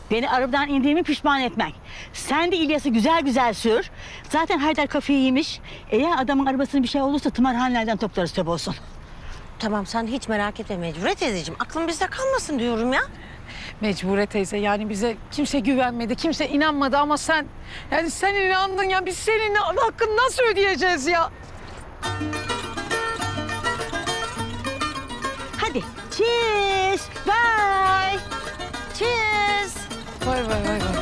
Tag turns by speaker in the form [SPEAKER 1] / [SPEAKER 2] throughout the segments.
[SPEAKER 1] Beni arabadan indiğimi pişman etmek. Sen de İlyas'ı güzel güzel sür. Zaten Haydar kafayı yemiş. Eğer adamın arabasının bir şey olursa tımarhanelerden toplarız tabi olsun.
[SPEAKER 2] Tamam sen hiç merak etme Mecbure teyzeciğim. Aklın bizde kalmasın diyorum ya.
[SPEAKER 3] Mecbure teyze yani bize kimse güvenmedi, kimse inanmadı ama sen... Yani sen inandın ya biz senin hakkını nasıl ödeyeceğiz ya?
[SPEAKER 1] Hadi. Cheers. Bye.
[SPEAKER 2] Cheers.
[SPEAKER 3] Vay vay vay vay.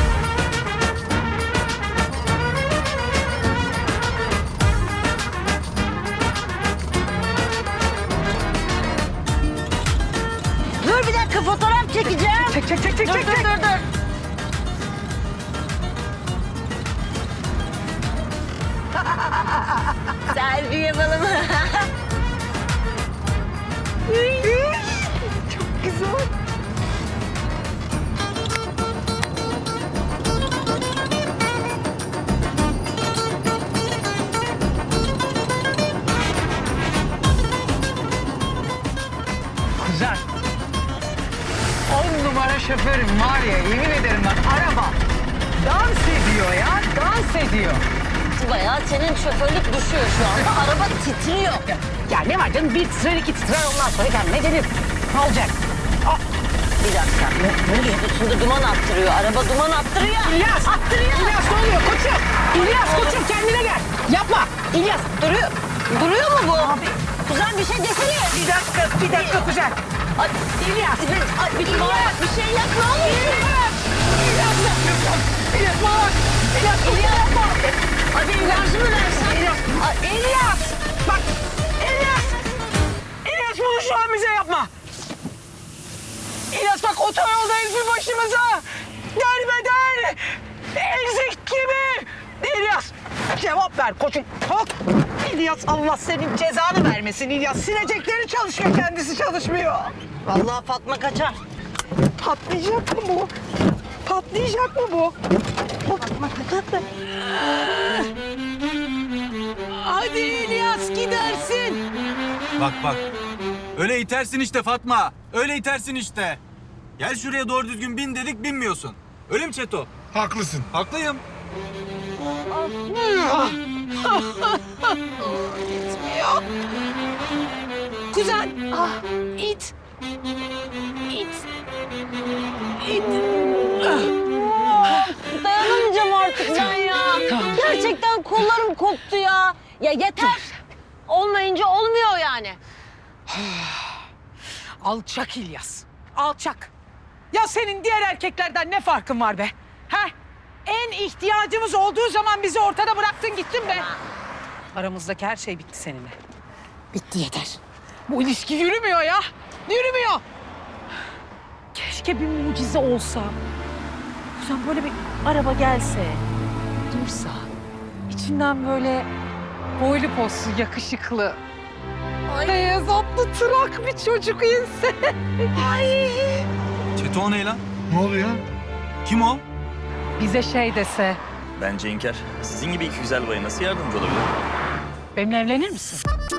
[SPEAKER 2] Dur bir dakika fotoğraf çekeceğim.
[SPEAKER 3] Çek.
[SPEAKER 2] Dur. Selfie yapalım.
[SPEAKER 3] Çok güzel. Güzel. 10 numara şoförüm var ya yemin ederim bak araba dans ediyor ya dans ediyor.
[SPEAKER 2] Bayağı senin şoförlük düşüyor şu anda. Araba titriyor.
[SPEAKER 3] Ya ne var canım bir titrer iki titrer ondan sonra kendine gelir. Ne olacak?
[SPEAKER 2] Bir dakika. Ne oluyor? Üstünde duman attırıyor. Araba duman attırıyor.
[SPEAKER 3] İlyas!
[SPEAKER 2] Attırıyor.
[SPEAKER 3] İlyas ne oluyor koçum? İlyas koçum kendine gel. Yapma. İlyas
[SPEAKER 2] Duruyor. Duruyor mu bu? Abi. Kuzen bir şey desene.
[SPEAKER 3] bir dakika kuzen.
[SPEAKER 2] Ay, İlyas. Ay, bir şey yap ne olur.
[SPEAKER 3] İlyas yapıyorsun. İlyas bana bak. İlyas yapma.
[SPEAKER 2] Hadi ilacını versen.
[SPEAKER 3] İlyas. Bak. İlyas. İlyas bunu şu an bize yapma. İlyas bak otoyoldayız bir başımıza. Derbeder. Ezik gibi. İlyas cevap ver koçum. Kalk. İlyas Allah senin cezanı vermesin İlyas. Silecekleri çalışıyor kendisi çalışmıyor.
[SPEAKER 2] Vallahi Fatma kaçar.
[SPEAKER 3] Patlayacak mı bu? Patlayacak mı bu? Fatma kaçar. Hadi İlyas gidersin.
[SPEAKER 4] Bak. Öyle itersin işte Fatma. Öyle itersin işte. Gel şuraya doğru düzgün bin dedik binmiyorsun. Öyle mi Çeto?
[SPEAKER 5] Haklısın.
[SPEAKER 4] Haklıyım.
[SPEAKER 3] Gitmiyor. Kuzen. İt.
[SPEAKER 2] Dayanamayacağım artık ben ya.
[SPEAKER 3] Tamam.
[SPEAKER 2] Gerçekten kollarım koptu ya. Ya yeter. Olmayınca olmuyor yani.
[SPEAKER 3] Alçak İlyas. Alçak. Ya senin diğer erkeklerden ne farkın var be? Ha? En ihtiyacımız olduğu zaman bizi ortada bıraktın gittin be. Aramızdaki her şey bitti seninle. Bitti yeter. Bu ilişki yürümüyor ya. Yürümüyor. Keşke bir mucize olsa. Sen böyle bir araba gelse, dursa, içinden böyle boylu poslu, yakışıklı, beyaz atlı tırak bir çocuk inse. Ay.
[SPEAKER 4] Çeto o ne lan?
[SPEAKER 5] Ne oluyor?
[SPEAKER 4] Kim o?
[SPEAKER 3] Bize şey dese,
[SPEAKER 6] Bence İnker. Sizin gibi iki güzel baya nasıl yardımcı olabilir?
[SPEAKER 3] benimle evlenir misin?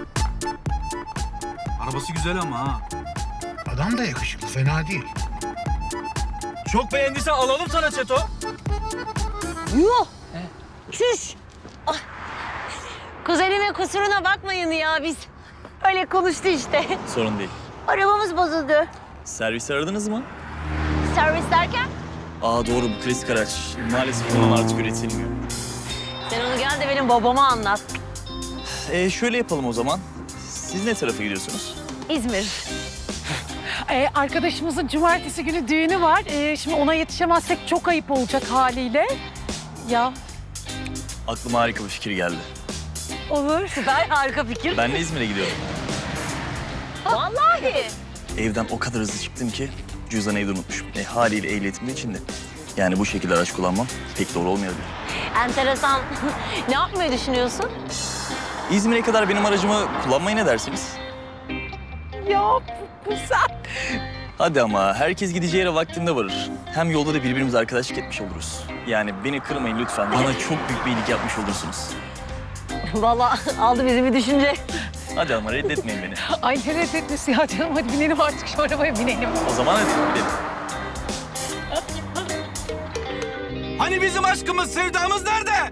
[SPEAKER 4] Arabası güzel ama ha.
[SPEAKER 5] Adam da yakışıklı, fena değil.
[SPEAKER 4] Çok beğendiysen alalım sana Çeto.
[SPEAKER 2] Yuh. Çüş. Ah. Kuzenimin kusuruna bakmayın ya biz. Öyle konuştu işte.
[SPEAKER 6] Sorun değil.
[SPEAKER 2] Arabamız bozuldu.
[SPEAKER 6] Servisi aradınız mı?
[SPEAKER 2] Servis derken?
[SPEAKER 6] Aa doğru bu klasik araç. Maalesef onun artık üretilmiyor.
[SPEAKER 2] Sen onu gel de benim babama anlat.
[SPEAKER 6] Şöyle yapalım o zaman. Siz ne tarafa gidiyorsunuz?
[SPEAKER 2] İzmir.
[SPEAKER 3] Arkadaşımızın cumartesi günü düğünü var. Şimdi ona yetişemezsek çok ayıp olacak haliyle. Ya
[SPEAKER 6] Aklıma harika bir fikir geldi.
[SPEAKER 3] olur.
[SPEAKER 2] Süper, harika fikir.
[SPEAKER 6] Ben de İzmir'e gidiyorum.
[SPEAKER 2] Vallahi.
[SPEAKER 6] Evden o kadar hızlı çıktım ki cüzdanı evde unutmuşum. Haliyle ehliyetim de içinde. Yani bu şekilde araç kullanmam pek doğru olmayabilir.
[SPEAKER 2] Enteresan. Ne yapmayı düşünüyorsun?
[SPEAKER 6] İzmir'e kadar benim aracımı kullanmayı ne dersiniz?
[SPEAKER 3] Ya güzel.
[SPEAKER 6] Hadi ama herkes gideceği yere vaktinde varır. Hem yolda da birbirimize arkadaşlık etmiş oluruz. Yani beni kırmayın lütfen. Bana çok büyük bir iyilik yapmış olursunuz.
[SPEAKER 2] Vallahi aldı bizi bir düşünce.
[SPEAKER 6] Hadi ama reddetmeyin beni.
[SPEAKER 3] Ay ne reddetmesi ya canım. Hadi binelim artık şu arabaya binelim.
[SPEAKER 6] O zaman hadi gidelim.
[SPEAKER 4] Hani bizim aşkımız, sevdamız nerede?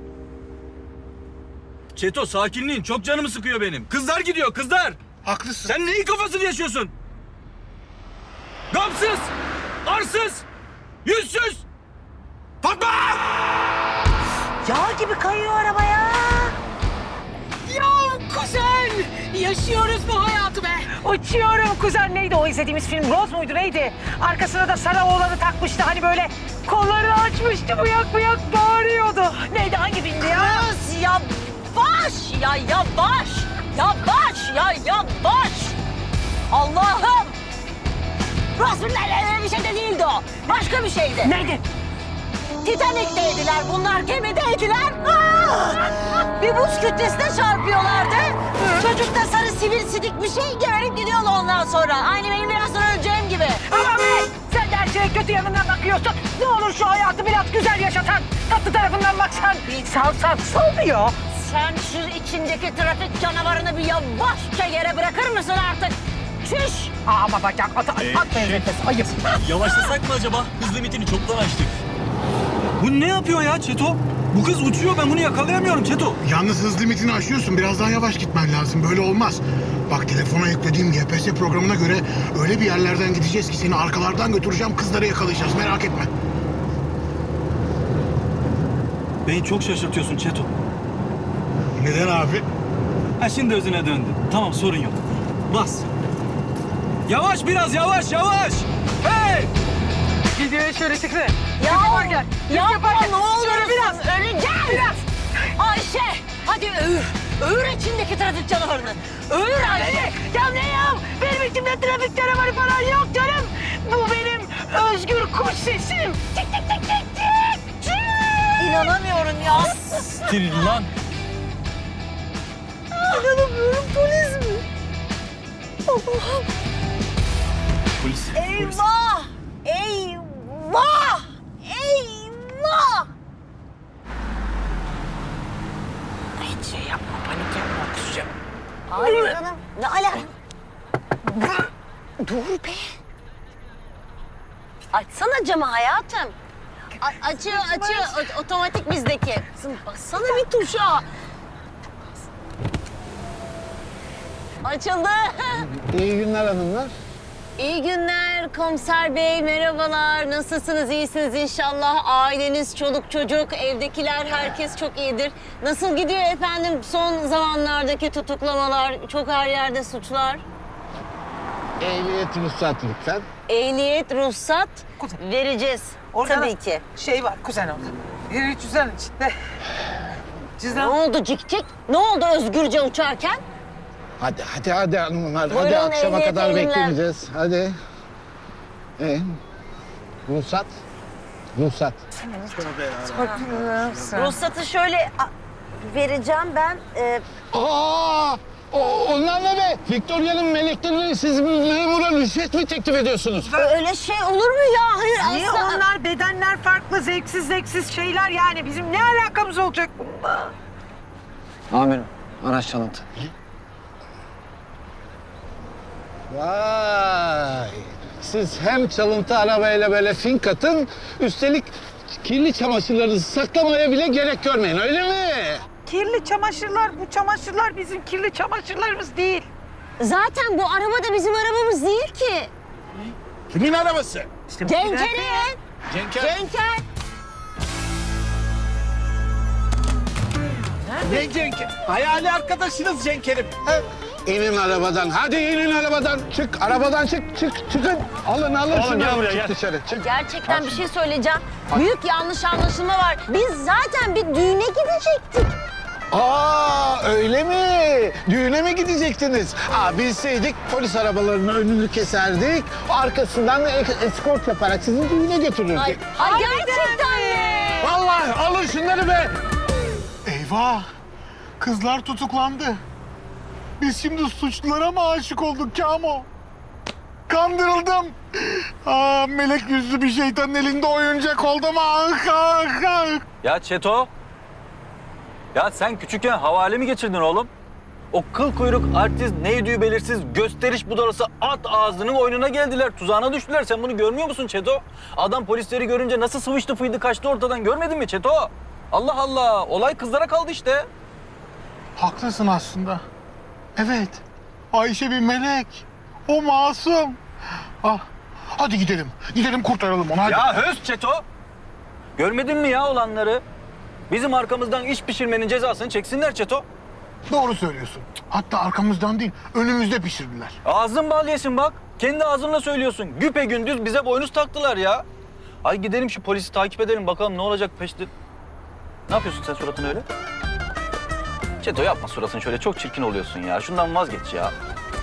[SPEAKER 4] Çeto sakinliğin çok canımı sıkıyor benim. Kızlar gidiyor, kızlar.
[SPEAKER 5] Haklısın.
[SPEAKER 4] Sen neyin kafasını yaşıyorsun? Gamsız, arsız, yüzsüz. Fatma!
[SPEAKER 1] Yağ gibi kayıyor araba ya.
[SPEAKER 3] Ya kuzen! Yaşıyoruz bu hayatı be. Uçuyorum kuzen. Neydi o izlediğimiz film? Rose muydu neydi? Arkasına da sarı oğlanı takmıştı. Hani böyle kolları açmıştı. Bıyak bıyak bağırıyordu. Neydi hangi filmdi ya?
[SPEAKER 2] Kız yavaş ya yavaş. Yavaş ya yavaş. Allah'ım. Rasulullah bir şey de değildi o. Başka bir şeydi.
[SPEAKER 3] Neydi?
[SPEAKER 2] Titanik'teydiler bunlar, gemideydiler. Bir buz kütlesine çarpıyorlardı. Çocuk da sarı sivrisidik bir şey geberip gidiyordu ondan sonra. Aynı benim biraz sonra öleceğim gibi.
[SPEAKER 3] Ama be! Sen de her şeye kötü yanından bakıyorsun. Ne olur şu hayatı biraz güzel yaşatan, tatlı tarafından baksan. Sal diyor.
[SPEAKER 2] Sen şu içindeki trafik canavarını bir yavaşça yere bırakır mısın artık? Çüş!
[SPEAKER 3] Ama bacak atmayın nefes. Ayıp.
[SPEAKER 6] Yavaşlasak mı acaba? Hız limitini çoktan aştık.
[SPEAKER 4] Bu ne yapıyor ya Çeto? Bu kız uçuyor, ben bunu yakalayamıyorum Çeto.
[SPEAKER 5] Yalnız hız limitini aşıyorsun. Biraz daha yavaş gitmen lazım. Böyle olmaz. Bak telefona yüklediğim GPS programına göre öyle bir yerlerden gideceğiz ki seni arkalardan götüreceğim. Kızları yakalayacağız. Merak etme.
[SPEAKER 4] Beni çok şaşırtıyorsun Çeto.
[SPEAKER 5] Neden abi?
[SPEAKER 4] Ha şimdi özüne döndü. Tamam sorun yok. Bas. Yavaş biraz yavaş yavaş. Hey!
[SPEAKER 3] Gidiyor şöyle çıkı.
[SPEAKER 2] Ya
[SPEAKER 3] Yaparken,
[SPEAKER 2] yapma ne olur
[SPEAKER 3] Şöyle biraz.
[SPEAKER 2] öleceğim.
[SPEAKER 3] Biraz.
[SPEAKER 2] Ayşe hadi öğür. Öğür içindeki trafik canavarını. Öğür Ayşe.
[SPEAKER 3] Ya ne ya? Benim içimde trafik canavarı falan yok canım. Bu benim özgür kuş sesim. Tik tik tik tik tik. Tik.
[SPEAKER 2] İnanamıyorum ya.
[SPEAKER 6] Siktir lan.
[SPEAKER 2] İnanamıyorum polis mi? Allah'ım.
[SPEAKER 6] Polis.
[SPEAKER 2] Eyvah! Eyvah! Eyvah!
[SPEAKER 3] Hiç şey yapma, panik yapma, kusacağım.
[SPEAKER 2] Hayır canım. Ne alaka? Dur be. Açsana camı hayatım. Açıyor. Otomatik bizdeki. Kızım bassana bir tuşa. Açıldı.
[SPEAKER 7] İyi günler hanımlar.
[SPEAKER 2] İyi günler komiser bey, merhabalar. Nasılsınız, iyisiniz inşallah. Aileniz, çoluk çocuk, evdekiler herkes çok iyidir. Nasıl gidiyor efendim son zamanlardaki tutuklamalar, çok her yerde suçlar?
[SPEAKER 7] Ehliyet ruhsat lütfen.
[SPEAKER 2] Ehliyet, ruhsat
[SPEAKER 3] Kuzen.
[SPEAKER 2] vereceğiz.
[SPEAKER 3] Orada
[SPEAKER 2] Tabii ki.
[SPEAKER 3] Şey var kuzen orada. Bir cüzdan içinde.
[SPEAKER 2] Ne
[SPEAKER 3] Cüzdan.
[SPEAKER 2] oldu cik cik? Ne oldu özgürce uçarken?
[SPEAKER 7] Hadi hanımlar.
[SPEAKER 2] Buyurun,
[SPEAKER 7] hadi akşama
[SPEAKER 2] ehliyet
[SPEAKER 7] kadar
[SPEAKER 2] elimler.
[SPEAKER 7] beklemeyeceğiz. Hadi. Ruhsat. Ruhsat.
[SPEAKER 2] Ruhsatı şöyle vereceğim ben.
[SPEAKER 7] Onlar ne be? Victoria'nın meleklerini siz memura rüşvet mi teklif ediyorsunuz?
[SPEAKER 2] Öyle şey olur mu ya? Hayır
[SPEAKER 3] Niye
[SPEAKER 2] asla.
[SPEAKER 3] onlar bedenler farklı, zevksiz şeyler yani. Bizim ne alakamız olacak bununla?
[SPEAKER 7] Amirim, araç çalıntı. Vay! Siz hem çalıntı arabayla böyle fink atın, üstelik kirli çamaşırlarınızı saklamaya bile gerek görmeyin, öyle mi?
[SPEAKER 3] Kirli çamaşırlar, bu çamaşırlar bizim kirli çamaşırlarımız değil.
[SPEAKER 2] Zaten bu araba da bizim arabamız değil ki.
[SPEAKER 7] Kimin arabası?
[SPEAKER 2] Cenker'in.
[SPEAKER 7] Cenker.
[SPEAKER 2] Cenker.
[SPEAKER 7] Ne Cenker? Hayali arkadaşınız Cenker'im. İnin arabadan, hadi inin arabadan. Çık, arabadan çıkın. Alın şunu. Çık dışarı, çık.
[SPEAKER 2] Gerçekten bir şey söyleyeceğim. Büyük yanlış anlaşılma var. Biz zaten bir düğüne gidecektik.
[SPEAKER 7] Öyle mi? Düğüne mi gidecektiniz? Bilseydik polis arabalarının önünü keserdik. Arkasından da eskort yaparak sizi düğüne götürürdük.
[SPEAKER 2] Ay gerçekten mi?
[SPEAKER 7] Vallahi alın şunları be.
[SPEAKER 5] Eyvah! Kızlar tutuklandı. Biz şimdi suçlulara mı aşık olduk Kamo? Kandırıldım. Melek yüzlü bir şeytanın elinde oyuncak oldum.
[SPEAKER 4] Ya Çeto. Ya sen küçükken havale mi geçirdin oğlum? O kıl kuyruk artist neydi belirsiz gösteriş budalası at ağzının oyununa geldiler. Tuzağına düştüler. Sen bunu görmüyor musun Çeto? Adam polisleri görünce nasıl sıvıştı fıydı kaçtı ortadan görmedin mi Çeto? Allah Allah. Olay kızlara kaldı işte.
[SPEAKER 5] Haklısın aslında. Evet. Ayşe bir melek. O masum. Ah. Hadi gidelim. Gidelim kurtaralım onu hadi.
[SPEAKER 4] Ya höz Çeto. Görmedin mi ya olanları? Bizim arkamızdan iş pişirmenin cezasını çeksinler Çeto.
[SPEAKER 5] Doğru söylüyorsun. Hatta arkamızdan değil, önümüzde pişirdiler.
[SPEAKER 4] Ağzın bal yesin bak. Kendi ağzınla söylüyorsun. Güpegündüz bize boynuz taktılar ya. Ay gidelim şu polisi takip edelim bakalım ne olacak peşte. Ne yapıyorsun sen suratın öyle? Çeto yapma suratını şöyle çok çirkin oluyorsun ya. Şundan vazgeç ya.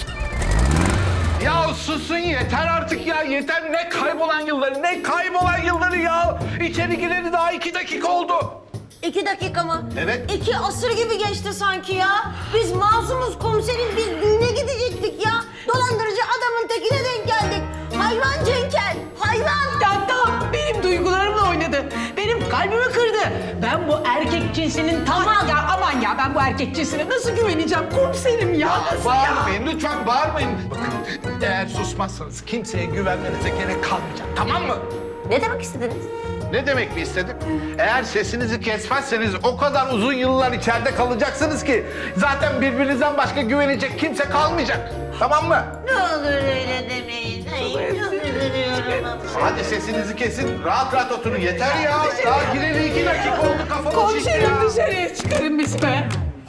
[SPEAKER 7] Ya susun yeter artık ya yeter. Ne kaybolan yılları ya. İçeri gireli daha 2 dakika oldu.
[SPEAKER 2] 2 dakika mı?
[SPEAKER 7] Evet.
[SPEAKER 2] 2 asır gibi geçti sanki ya. Biz masumuz komiserim, biz düğüne gidecektik ya. Dolandırıcı adamın tekine denk geldik. Hayvan Cenker, hayvan.
[SPEAKER 3] Ya tamam benim duygularımla oynadı. Benim kalbimi kırdı. Ben bu erkek cinsinin
[SPEAKER 2] Aman.
[SPEAKER 3] ya aman ya ben bu erkek cinsine nasıl güveneceğim komiserim ya? Nasıl ya?
[SPEAKER 7] Bağırmayın lütfen bağırmayın. Bakın eğer susmazsanız kimseye güvenmenize gerek kalmayacak tamam mı?
[SPEAKER 2] Ne demek istediniz?
[SPEAKER 7] Ne demek mi istedim? Eğer sesinizi kesmezseniz o kadar uzun yıllar içeride kalacaksınız ki zaten birbirinizden başka güvenecek kimse kalmayacak. Tamam mı?
[SPEAKER 2] Ne olur öyle demeyin. Ay, çok üzülüyorum.
[SPEAKER 7] Hadi sesinizi kesin. Rahat rahat oturun. Yeter ya. Daha gireli 2 dakika oldu kafamı şişti
[SPEAKER 3] Komiserim
[SPEAKER 7] ya.
[SPEAKER 3] dışarıya çıkarın biz be.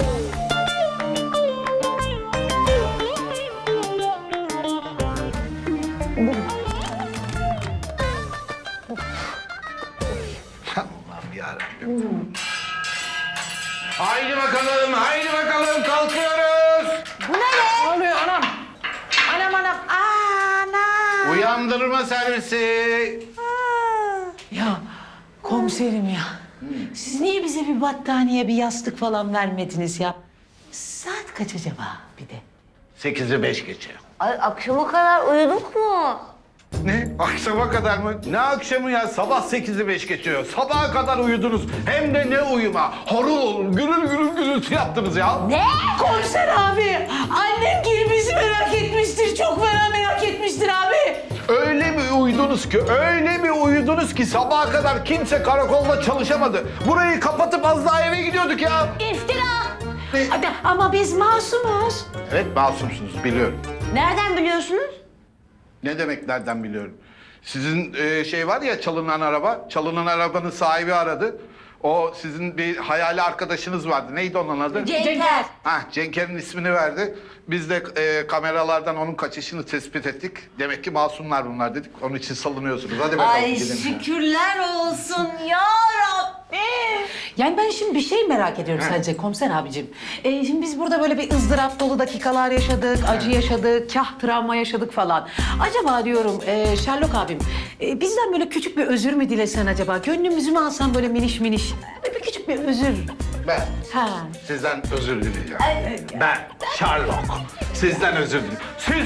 [SPEAKER 7] Allah'ım yarabbim. Haydi bakalım kalkıyoruz.
[SPEAKER 3] Ne oluyor anam? Anam. Ana.
[SPEAKER 7] Uyandırma servisi.
[SPEAKER 8] Ya komiserim ya. Siz niye bize bir battaniye, bir yastık falan vermediniz ya? Saat kaç acaba bir de?
[SPEAKER 7] 8'i 5 geçe.
[SPEAKER 2] Ay, akşama kadar uyuduk mu?
[SPEAKER 7] Ne? Akşama kadar mı? Ne akşamı ya? Sabah 8'i 5 geçiyor. Sabaha kadar uyudunuz. Hem de ne uyuma. Horul olur. Gürül gürültü yaptınız ya.
[SPEAKER 2] Ne?
[SPEAKER 8] Komiser abi, annem gibi bizi merak etmiştir. Çok merak etmiştir abi.
[SPEAKER 7] Öyle bir uyudunuz ki sabaha kadar kimse karakolda çalışamadı. Burayı kapatıp az daha eve gidiyorduk ya.
[SPEAKER 2] İftira.
[SPEAKER 8] Hadi ama biz masumuz.
[SPEAKER 7] Evet masumsunuz biliyorum.
[SPEAKER 2] Nereden biliyorsunuz?
[SPEAKER 7] Ne demek nereden biliyorum? Sizin şey var ya çalınan araba. Çalınan arabanın sahibi aradı. O sizin bir hayali arkadaşınız vardı. Neydi onun adı?
[SPEAKER 2] Cenker.
[SPEAKER 7] Cenker'in ismini verdi. Biz de kameralardan onun kaçışını tespit ettik. Demek ki masumlar bunlar dedik. Onun için salınıyorsunuz. Hadi bakalım
[SPEAKER 2] Ay
[SPEAKER 7] gidin.
[SPEAKER 2] şükürler olsun ya Rabbim.
[SPEAKER 8] Yani ben şimdi bir şey merak ediyorum sadece komiser abicim. Şimdi biz burada böyle bir ızdırap dolu dakikalar yaşadık, acı yaşadık, kah travma yaşadık falan. Acaba diyorum Sherlock abim, bizden böyle küçük bir özür mü dilesen acaba? Gönlümüzü mü alsan böyle miniş? Böyle bir küçük bir özür.
[SPEAKER 7] Ben
[SPEAKER 8] Ha.
[SPEAKER 7] sizden özür dileyeceğim. Ben Sherlock. Sizden özür dilerim. Siz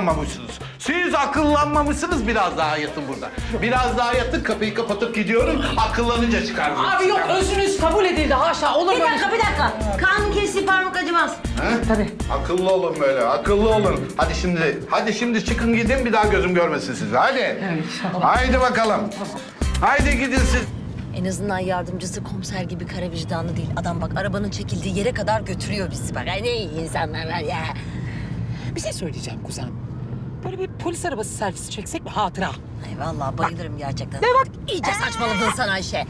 [SPEAKER 7] akıllanmamışsınız. Biraz daha yatın burada. Biraz daha yatın. Kapıyı kapatıp gidiyorum. Akıllanınca çıkardım.
[SPEAKER 8] Abi yok özrünüz kabul edildi haşa olur
[SPEAKER 2] Bir
[SPEAKER 8] mu?
[SPEAKER 2] dakika. Kan kesi parmak acımaz.
[SPEAKER 8] Tabii.
[SPEAKER 7] Akıllı olun böyle. Akıllı olun. Hadi şimdi çıkın gidin. Bir daha gözüm görmesin sizi. Hadi. Haydi bakalım. Haydi gidin siz.
[SPEAKER 2] En azından yardımcısı komiser gibi kara vicdanlı değil. Adam bak arabanın çekildiği yere kadar götürüyor bizi bak. Ay ne iyi insanlar var ya.
[SPEAKER 3] Bir şey söyleyeceğim kuzen. Böyle bir polis arabası servisi çeksek mi hatıra?
[SPEAKER 2] Ay vallahi bayılırım gerçekten. Ne bak? İyice saçmaladın sen Ayşe.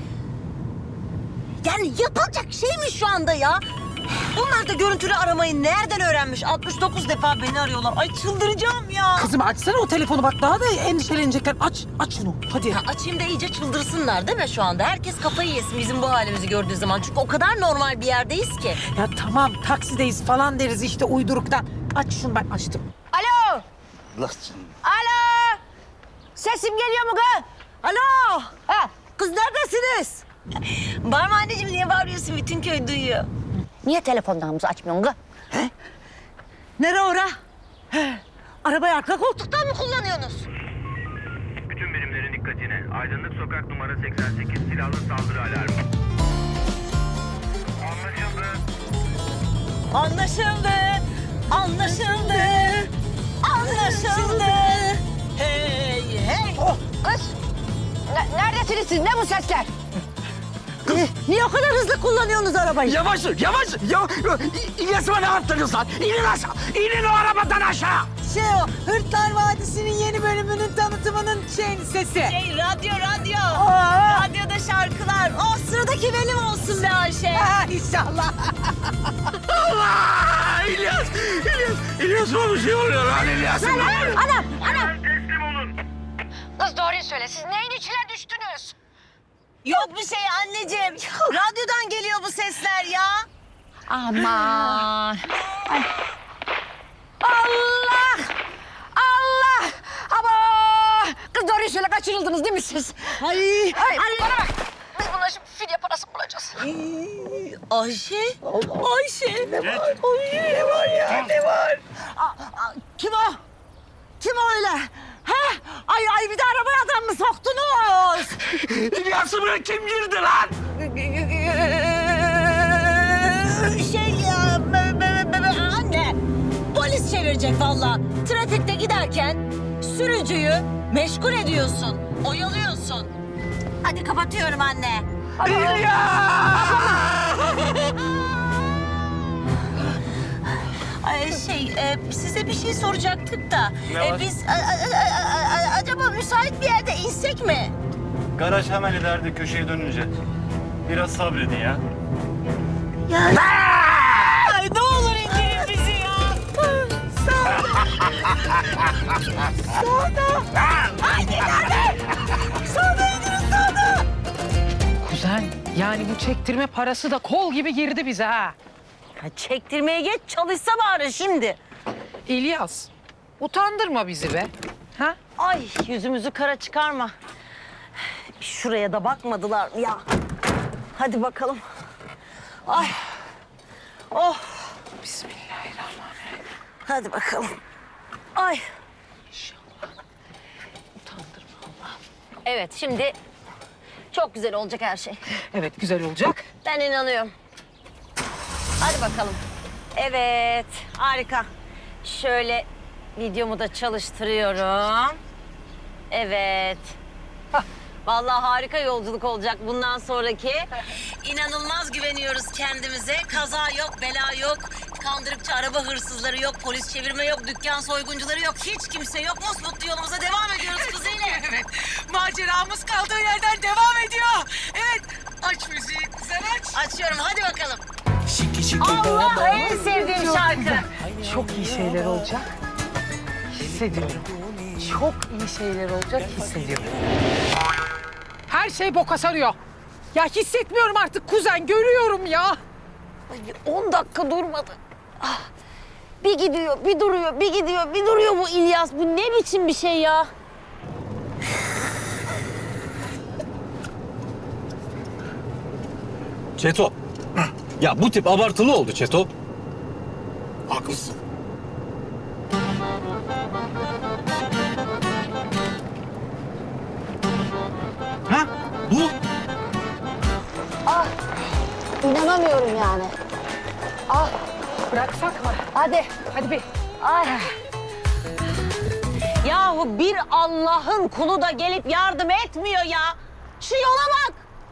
[SPEAKER 2] Yani yapılacak şey mi şu anda ya? Bunlar da görüntülü aramayı nereden öğrenmiş? 69 defa beni arıyorlar. Ay çıldıracağım ya.
[SPEAKER 3] Kızım açsana o telefonu bak daha da endişelenecekler. Aç şunu hadi.
[SPEAKER 2] Ha, açayım da iyice çıldırsınlar değil mi şu anda? Herkes kafayı yesin bizim bu halimizi gördüğü zaman. Çünkü o kadar normal bir yerdeyiz ki.
[SPEAKER 3] Ya tamam taksideyiz falan deriz işte uyduruktan. Aç şunu ben açtım.
[SPEAKER 2] Alo! Alo! Sesim geliyor mu kız? Alo! Ha, kız neredesiniz? Bağırma anneciğim, niye bağırıyorsun? Bütün köy duyuyor. Niye telefonlarımızı açmıyorsun kız? Nere ora? Arabayı arka koltuktan mı kullanıyorsunuz?
[SPEAKER 9] Bütün birimlerin dikkatine. Aydınlık Sokak numara 88 silahlı saldırı alarmı. Anlaşıldı.
[SPEAKER 2] Anlaşıldı. Anlaşıldı. Anlaşıldı. Hey hey.
[SPEAKER 10] Kız, neredesiniz siz? Ne bu sesler?
[SPEAKER 1] Niye o kadar hızlı kullanıyorsunuz arabayı?
[SPEAKER 11] Yavaş, yavaş. İlyas'ıma ne yaptınız lan? İnin aşağı. İnin o arabadan aşağı.
[SPEAKER 3] O Hırtlar Vadisi'nin yeni bölümünün tanıtımının sesi.
[SPEAKER 2] Radyo. Radyoda şarkılar. O sıradaki benim olsun be Ayşe.
[SPEAKER 3] İnşallah.
[SPEAKER 11] Allah! İlyas'ıma bir şey oluyor lan İlyas'ıma.
[SPEAKER 10] Anam!
[SPEAKER 9] Teslim olun.
[SPEAKER 10] Kız doğruyu söyle. Siz neyin içine düştünüz?
[SPEAKER 2] Yok bir şey anneciğim. Radyodan geliyor bu sesler ya.
[SPEAKER 10] Aman! Allah! Allah! Ama! Kız doğruyu söyle. Kaçırıldınız değil mi siz?
[SPEAKER 2] Ay.
[SPEAKER 10] Bana bak. Biz bundan şimdi fidye parası bulacağız.
[SPEAKER 2] Ayşe. Ayşe. Ne var? Ne var ya? Ne var?
[SPEAKER 1] Kim o? Kim o öyle? Ha? Ay bir de arabaya adam mı soktunuz?
[SPEAKER 11] İlyas'ıma kim girdi lan?
[SPEAKER 2] Anne. Polis çevirecek vallahi. Trafikte giderken sürücüyü meşgul ediyorsun. Oyalıyorsun. Hadi kapatıyorum anne. Size bir şey soracaktık da.
[SPEAKER 4] Ne var?
[SPEAKER 2] Biz acaba müsait bir yerde insek mi?
[SPEAKER 4] Garaj hemen ileride köşeye dönünce. Biraz sabredin ya.
[SPEAKER 2] Ay ne olur indirin bizi ya.
[SPEAKER 3] Kuzen, yani bu çektirme parası da kol gibi girdi bize ha.
[SPEAKER 2] Ya çektirmeye geç çalışsa bari şimdi.
[SPEAKER 3] İlyas, utandırma bizi be. Ha?
[SPEAKER 2] Ay yüzümüzü kara çıkarma. Şuraya da bakmadılar mı ya? Hadi bakalım. Ay. Oh.
[SPEAKER 3] Bismillahirrahmanirrahim.
[SPEAKER 2] Hadi bakalım. Ay. Evet şimdi çok güzel olacak her şey.
[SPEAKER 3] Evet, güzel olacak.
[SPEAKER 2] Ben inanıyorum. Hadi bakalım. Evet, harika. Şöyle videomu da çalıştırıyorum. Evet. Hah, vallahi harika yolculuk olacak bundan sonraki. İnanılmaz güveniyoruz kendimize. Kaza yok, bela yok. Kandırıkçı araba hırsızları yok, polis çevirme yok, dükkan soyguncuları yok. Hiç kimse yok. Mutlu yolumuza devam ediyoruz kızıyla.
[SPEAKER 3] Evet, maceramız kaldığı yerden devam ediyor. Evet, aç müziği kuzen aç.
[SPEAKER 2] Açıyorum, hadi bakalım. Allah en sevdiğim şarkı.
[SPEAKER 3] Çok iyi şeyler olacak. Hissediyorum. Çok iyi şeyler olacak, hissediyorum. Her şey boka sarıyor. Ya hissetmiyorum artık kuzen, görüyorum ya.
[SPEAKER 2] Ay, 10 dakika durmadı. Ah, bir gidiyor, bir duruyor, bir gidiyor, bir duruyor bu İlyas. Bu ne biçim bir şey ya?
[SPEAKER 4] Çeto. Ya bu tip abartılı oldu Çeto.
[SPEAKER 5] Haklısın.
[SPEAKER 4] Ha? Bu.
[SPEAKER 10] İnanamıyorum yani.
[SPEAKER 3] Bıraksak mı?
[SPEAKER 10] Hadi.
[SPEAKER 3] Hadi bir.
[SPEAKER 2] Yahu bir Allah'ın kulu da gelip yardım etmiyor ya. Şu yola bak.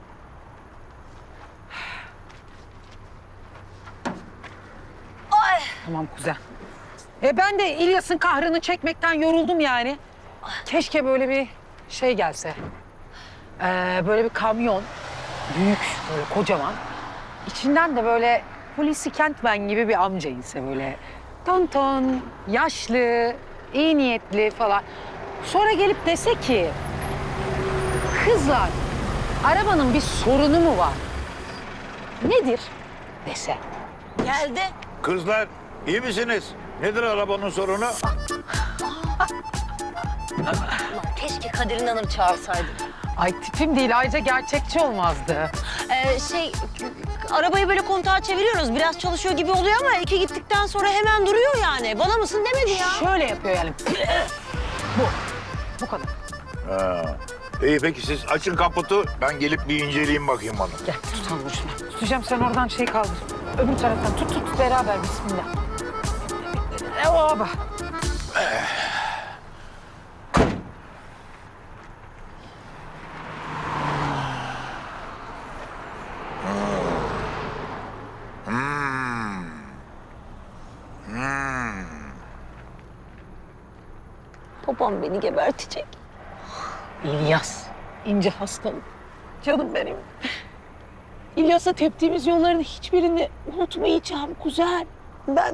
[SPEAKER 2] Ay.
[SPEAKER 3] Tamam kuzen. Ben de İlyas'ın kahrını çekmekten yoruldum yani. Keşke böyle bir şey gelse. Böyle bir kamyon. Büyük, böyle kocaman. İçinden de böyle Hulusi Kentmen gibi bir amca ise böyle ton, yaşlı, iyi niyetli falan. Sonra gelip dese ki, kızlar, arabanın bir sorunu mu var? Nedir? Dese.
[SPEAKER 2] Geldi.
[SPEAKER 12] Kızlar iyi misiniz? Nedir arabanın sorunu?
[SPEAKER 2] Keşke Kadir İnanır çağırsaydık.
[SPEAKER 3] Ay tipim değil, ayrıca gerçekçi olmazdı.
[SPEAKER 2] Arabayı böyle kontağa çeviriyoruz. Biraz çalışıyor gibi oluyor ama iki gittikten sonra hemen duruyor yani. Bana mısın demedi ya.
[SPEAKER 3] Şöyle yapıyor yani. Bu kadar.
[SPEAKER 12] Ha. İyi peki siz açın kaputu ben gelip bir inceleyeyim bakayım onu.
[SPEAKER 3] Gel tutalım şunu. Tutacağım, sen oradan şey kaldır. Öbür taraftan tut beraber, bismillah. Oba.
[SPEAKER 2] Babam beni gebertecek.
[SPEAKER 8] İlyas, ince hastalık. Canım benim. İlyas'a teptiğimiz yolların hiçbirini unutmayacağım kuzen. Ben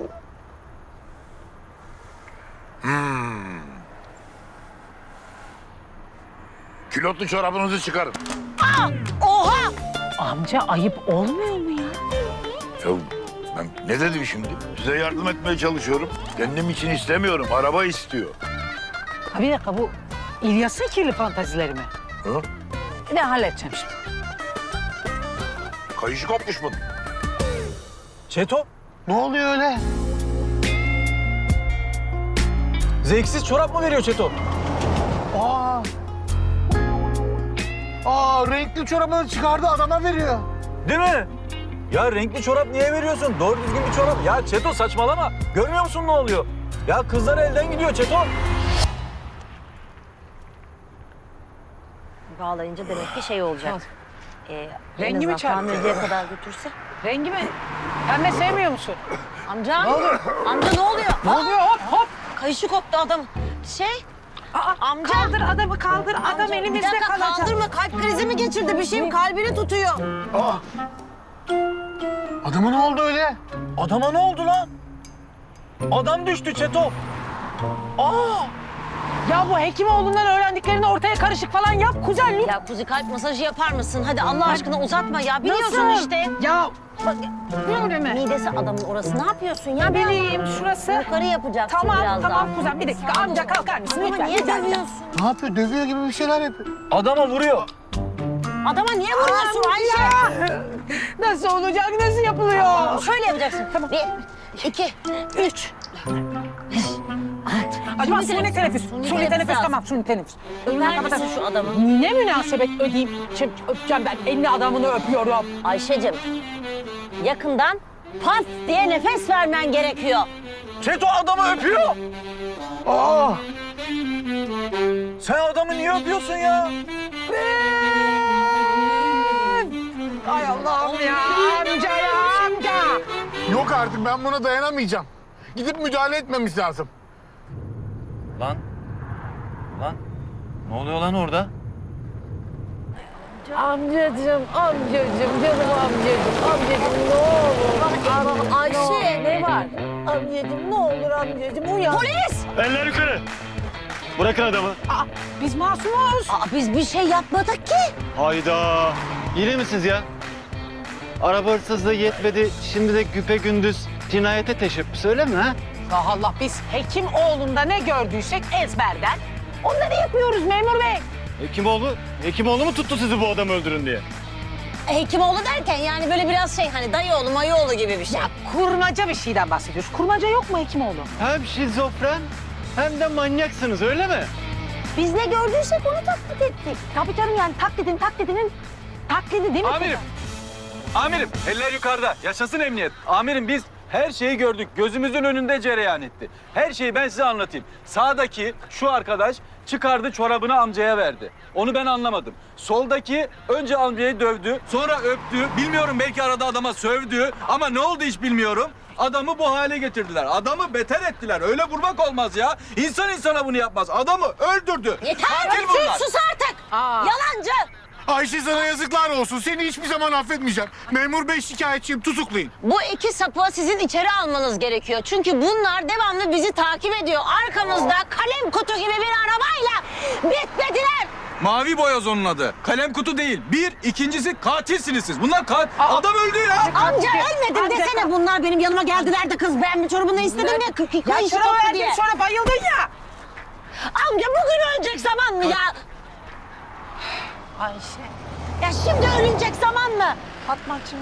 [SPEAKER 12] Külotlu çorabınızı çıkarın.
[SPEAKER 2] Oha!
[SPEAKER 8] amca ayıp olmuyor mu ya?
[SPEAKER 12] Ya ben ne dedim şimdi? Size yardım etmeye çalışıyorum. Kendim için istemiyorum. Araba istiyor.
[SPEAKER 3] Ha, bir dakika, bu İlyas'ın kirli fantazileri mi?
[SPEAKER 12] Hı?
[SPEAKER 3] Bir de halledeceğim şimdi.
[SPEAKER 12] Kayışı kopmuş bunun.
[SPEAKER 4] Çeto,
[SPEAKER 7] Ne oluyor öyle?
[SPEAKER 4] zevksiz çorap mı veriyor Çeto?
[SPEAKER 7] Renkli çorabını çıkardı adama veriyor.
[SPEAKER 4] Değil mi? Ya renkli çorap niye veriyorsun? Doğru düzgün bir çorap. Ya Çeto saçmalama. Görmüyor musun ne oluyor? Ya kızlar elden gidiyor Çeto.
[SPEAKER 2] Bağlayınca demek ki şey olacak.
[SPEAKER 3] Rengi mi çarptı?
[SPEAKER 2] Tamirciye kadar götürse.
[SPEAKER 3] Rengi mi? Pembe sevmiyor musun?
[SPEAKER 2] Amca. Ne oluyor? Amca ne oluyor?
[SPEAKER 3] Ne oluyor? Hop hop.
[SPEAKER 2] Kayışı koptu adam. Amca.
[SPEAKER 3] Kaldır adamı, kaldır. Adam
[SPEAKER 2] Amca,
[SPEAKER 3] elimizde
[SPEAKER 2] bir dakika,
[SPEAKER 3] kalacak.
[SPEAKER 2] kaldırma. Kalp krizi mi geçirdi? Bir şeyim kalbini tutuyor.
[SPEAKER 7] Adama ne oldu öyle?
[SPEAKER 4] Adama ne oldu lan? Adam düştü Çeto.
[SPEAKER 3] Ya bu Hekimoğlu'ndan öğrendiklerini ortaya karışık falan yap kuzen lütfen.
[SPEAKER 2] Ya Kuzi kalp masajı yapar mısın? Hadi Allah aşkına uzatma ya. Biliyorsun
[SPEAKER 3] Nasıl?
[SPEAKER 2] işte.
[SPEAKER 3] Ya
[SPEAKER 2] Bak,
[SPEAKER 3] öyle mi?
[SPEAKER 2] midesi adamın orası. Ne yapıyorsun ya?
[SPEAKER 3] Bileyim şurası.
[SPEAKER 2] Yukarı yapacaksın
[SPEAKER 3] Tamam
[SPEAKER 2] biraz
[SPEAKER 3] tamam
[SPEAKER 2] daha.
[SPEAKER 3] kuzen, bir dakika amca kalkar mısın
[SPEAKER 2] Ama
[SPEAKER 3] lütfen?
[SPEAKER 2] niye
[SPEAKER 3] rica edeceğim.
[SPEAKER 2] dövüyorsun?
[SPEAKER 7] Ne yapıyor? Dövüyor gibi bir şeyler yapıyor.
[SPEAKER 4] Adama vuruyor.
[SPEAKER 2] Adama niye vuruyorsun Ayşe?
[SPEAKER 3] Nasıl olacak, nasıl yapılıyor?
[SPEAKER 2] Şöyle yapacaksın. Tamam. 1, 2, 3.
[SPEAKER 3] Acaba suni teneffüs. Suni teneffüs
[SPEAKER 2] lazım.
[SPEAKER 3] tamam, suni teneffüs.
[SPEAKER 2] Öper misin şu adamı?
[SPEAKER 3] Ne münasebet ödeyeyim. Şimdi öpeceğim ben. Elini adamını öpüyorum.
[SPEAKER 2] Ayşe'cim yakından pas diye nefes vermen gerekiyor.
[SPEAKER 4] Çeto adamı öpüyor. Sen adamı niye öpüyorsun ya?
[SPEAKER 3] Ay Allah'ım ya amca ya amca.
[SPEAKER 7] Yok artık ben buna dayanamayacağım. Gidip müdahale etmemiz lazım.
[SPEAKER 4] Lan. Ne oluyor lan orada?
[SPEAKER 8] Amcacığım, canım amcacığım ne olur.
[SPEAKER 2] Ayşe.
[SPEAKER 8] Ne var? Amcacığım ne olur amcacığım uyan.
[SPEAKER 2] Polis!
[SPEAKER 4] Eller yukarı. Bırakın adamı.
[SPEAKER 3] Aa, biz masumuz.
[SPEAKER 2] Biz bir şey yapmadık ki.
[SPEAKER 13] Hayda. Yine misiniz ya? Araba hırsızlığı yetmedi. Şimdi de güpegündüz cinayete teşebbüs öyle mi ha?
[SPEAKER 3] Allah Allah, biz Hekimoğlu'nda ne gördüysek ezberden onları yapıyoruz memur bey.
[SPEAKER 13] Hekimoğlu mu tuttu sizi bu adamı öldürün diye?
[SPEAKER 2] Hekimoğlu derken yani böyle biraz şey hani dayıoğlu mayıoğlu gibi bir şey.
[SPEAKER 3] Ya kurmaca bir şeyden bahsediyoruz. Kurmaca yok mu Hekimoğlu?
[SPEAKER 13] Hem şizofren hem de manyaksınız öyle mi?
[SPEAKER 2] Biz ne gördüysek onu taklit ettik.
[SPEAKER 3] Tabii canım, yani taklidinin taklidi değil mi?
[SPEAKER 4] Amirim eller yukarıda. Yaşasın emniyet. Amirim biz her şeyi gördük. Gözümüzün önünde cereyan etti. Her şeyi ben size anlatayım. Sağdaki şu arkadaş çıkardı çorabını amcaya verdi. Onu ben anlamadım. Soldaki önce amcayı dövdü, sonra öptü. Bilmiyorum, belki arada adama sövdü ama ne oldu hiç bilmiyorum. Adamı bu hale getirdiler. Adamı beter ettiler. Öyle vurmak olmaz ya. İnsan insana bunu yapmaz. Adamı öldürdü.
[SPEAKER 2] Yeter!
[SPEAKER 4] Katil bunlar.
[SPEAKER 2] Sus artık! Yalancı!
[SPEAKER 5] Ayşe sana yazıklar olsun. Seni hiçbir zaman affetmeyeceğim. Memur bey şikayetçiyim. Tutuklayın.
[SPEAKER 2] Bu iki sapığı sizin içeri almanız gerekiyor. Çünkü bunlar devamlı bizi takip ediyor. Arkamızda kalem kutu gibi bir arabayla bitmediler.
[SPEAKER 4] Mavi boyoz onun adı. Kalem kutu değil. Bir, ikincisi katilsiniz siz. Bunlar adam öldü ya.
[SPEAKER 2] Amca ölmedim desene, bunlar benim yanıma geldiler de kız ben bir çorabını istedim ya.
[SPEAKER 3] Ya
[SPEAKER 2] Kayışı
[SPEAKER 3] çorabı
[SPEAKER 2] koptu
[SPEAKER 3] verdin
[SPEAKER 2] diye.
[SPEAKER 3] sonra bayıldın ya.
[SPEAKER 2] Amca bugün ölecek zaman mı ya?
[SPEAKER 3] Ayşe.
[SPEAKER 2] Ya şimdi ölünecek zaman mı?
[SPEAKER 3] Fatmacığım.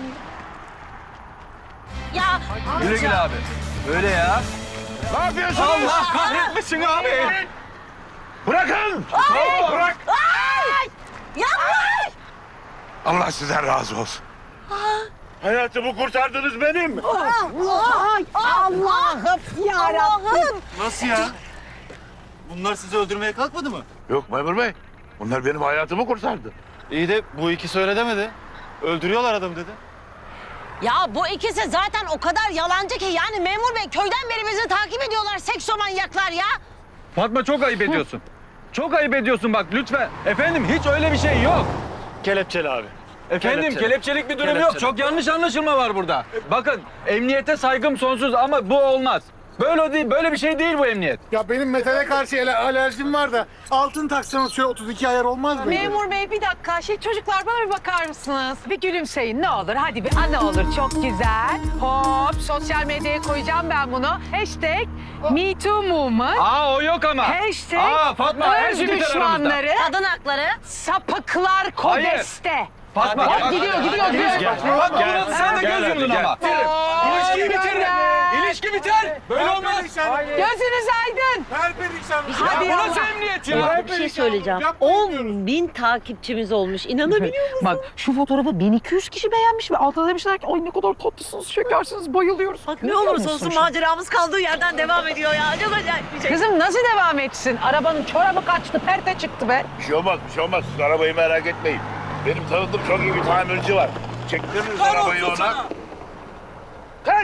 [SPEAKER 2] Ya
[SPEAKER 4] Güle güle abi. Öyle ya.
[SPEAKER 12] Ne yapıyorsunuz?
[SPEAKER 4] Allah kahretmesin abi.
[SPEAKER 12] Bırakın! Bırak!
[SPEAKER 2] Yapma!
[SPEAKER 12] Allah sizden razı olsun. Hayatımı kurtardınız benim.
[SPEAKER 2] Allah'ım yarabbim.
[SPEAKER 13] Nasıl ya? Bunlar sizi öldürmeye kalkmadı mı?
[SPEAKER 12] Yok memur bey. Bunlar benim hayatımı kurtardı.
[SPEAKER 13] İyi de bu ikisi öyle demedi. Öldürüyorlar adam dedi.
[SPEAKER 2] Ya bu ikisi zaten o kadar yalancı ki yani memur bey köyden beri bizi takip ediyorlar seksomanyaklar ya.
[SPEAKER 4] Fatma çok ayıp ediyorsun. Çok ayıp ediyorsun bak lütfen. Efendim hiç öyle bir şey yok.
[SPEAKER 13] Kelepçeli abi.
[SPEAKER 4] Efendim
[SPEAKER 13] Kelepçeli.
[SPEAKER 4] kelepçelik bir durum yok.
[SPEAKER 13] Kelepçeli.
[SPEAKER 4] Çok yanlış anlaşılma var burada. Bakın emniyete saygım sonsuz ama bu olmaz. Böyle değil, böyle bir şey değil bu emniyet.
[SPEAKER 5] Ya benim metale karşı alerjim var da altın taksanız şöyle 32 ayar olmaz mı?
[SPEAKER 3] Memur bey bir dakika. Çocuklar bana bir bakar mısınız? Bir gülümseyin ne olur. Hadi bir ne olur. Çok güzel. Hop sosyal medyaya koyacağım ben bunu. Hashtag #MeTooMovement.
[SPEAKER 4] Aa o yok ama.
[SPEAKER 3] Hashtag
[SPEAKER 4] Aa Fatma her
[SPEAKER 3] öz
[SPEAKER 4] şey biter aramızda.
[SPEAKER 3] düşmanları.
[SPEAKER 2] Kadın hakları.
[SPEAKER 3] Sapıklar Kodeste.
[SPEAKER 4] Fatma.
[SPEAKER 3] Bak, gidiyor.
[SPEAKER 4] Fatma sen de göz yumdun ama. İlişki bitirir. İlişki biter. Böyle olmaz.
[SPEAKER 3] Gözünüz aydın. Hadi
[SPEAKER 4] Bu
[SPEAKER 3] ya.
[SPEAKER 4] nasıl emniyet ya?
[SPEAKER 2] Bir şey söyleyeceğim. 10.000 takipçimiz olmuş. İnanabiliyor musun?
[SPEAKER 3] Bak şu fotoğrafı 1200 kişi beğenmiş ve altına demişler ki ay ne kadar tatlısınız, şekersiniz, bayılıyoruz.
[SPEAKER 2] Bak ne olursa olsun maceramız kaldığı yerden devam ediyor ya. Çok acayip bir şey.
[SPEAKER 3] Kızım nasıl devam etsin? Arabanın çorabı kaçtı, perte çıktı be.
[SPEAKER 12] Bir şey olmaz, bir şey olmaz. Siz arabayı merak etmeyin. Benim tanıdığım çok iyi bir tamirci var. Çektiririz arabayı ona. Kalk!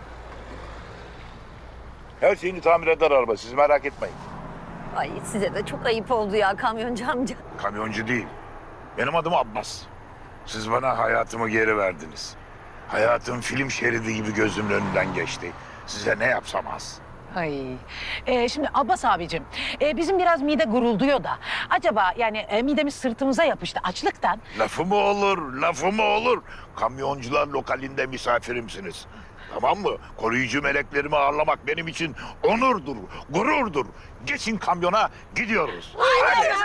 [SPEAKER 12] Her şeyini tamir eder araba. Siz merak etmeyin.
[SPEAKER 2] Ay size de çok ayıp oldu ya kamyoncu amca.
[SPEAKER 12] Kamyoncu değil. Benim adım Abbas. Siz bana hayatımı geri verdiniz. Hayatım film şeridi gibi gözümün önünden geçti. Size ne yapsam az.
[SPEAKER 3] Ay. Şimdi Abbas abicim, bizim biraz mide gurulduyor da. Acaba yani midemiz sırtımıza yapıştı açlıktan.
[SPEAKER 12] Lafı mı olur, lafı mı olur? Kamyoncular lokalinde misafirimsiniz. Tamam mı? Koruyucu meleklerimi ağırlamak benim için onurdur, gururdur. Geçin kamyona, gidiyoruz. Hadi.